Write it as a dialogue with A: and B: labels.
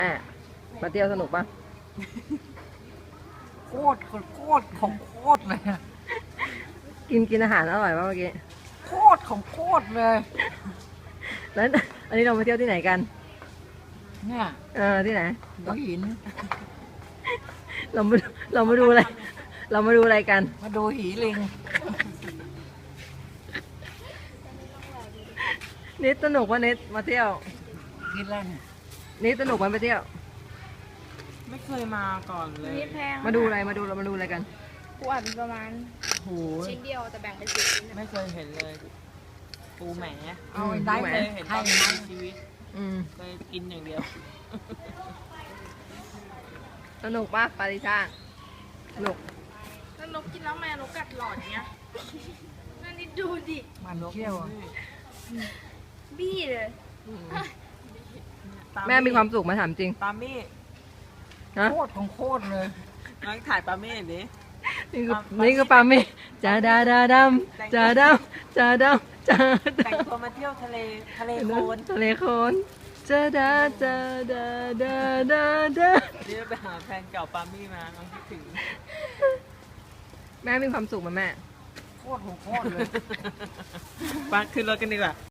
A: มาเที่ยวสนุกปะ
B: โคตรของโคตรเลย
A: กินอาหารอร่อยปะเมื่อกี้
B: โคตรของโคตรเลย
A: แล้วอันนี้เรามาเที่ยวที่ไหนกัน
B: เนี่ย
A: ที่ไหน
B: หัวหิน
A: เรามาดูอะไรเรามาดูอะไรกัน
B: มาดูหีลิง
A: นิดสนุกปะนิดมาเที่ยว
B: กินแรง
A: นิดสนุกมันไปเที่ยว
B: ไม่เคยมาก่อนเลย
C: นี่แพง
A: มาดูอะไรมาดูอะไรกัน
C: ปูอัดประมาณ
B: โห
C: ชิ้นเดียวแต่แบ่งเป็น10 ชิ้น
B: ไม่เคยเห็นเลยปูแหม
A: เอาได้ไหม
B: เคยเห็นตอนในชีวิตเคยกินอย่างเดียว
A: สนุกปะปาริชาสนุก
C: แล้วนกกินแล้วแม่นกกัดหลอดเนี้ยนั่นนี่ดูดิ
B: มันเที่ยว
C: บี้เลย
A: แม่มีความสุขมาถามจริง
B: ปามี่โคตรของโคตรเลยน้องถ่ายปามี่ดิ
A: นี่คือปาเมจ่าดาดำจ่าดำจ่าดำจ่า
B: แต่งตัวมาเที่ยวทะเลโคลน
A: จ่าดา
B: เดี๋ยวไปหาแฟนเก่าปามี่มาน้องคิดถึง
A: แม่มีความสุขมาแม่
B: โคตรของโคตรเลยไปขึ้นรถกันดีกว่า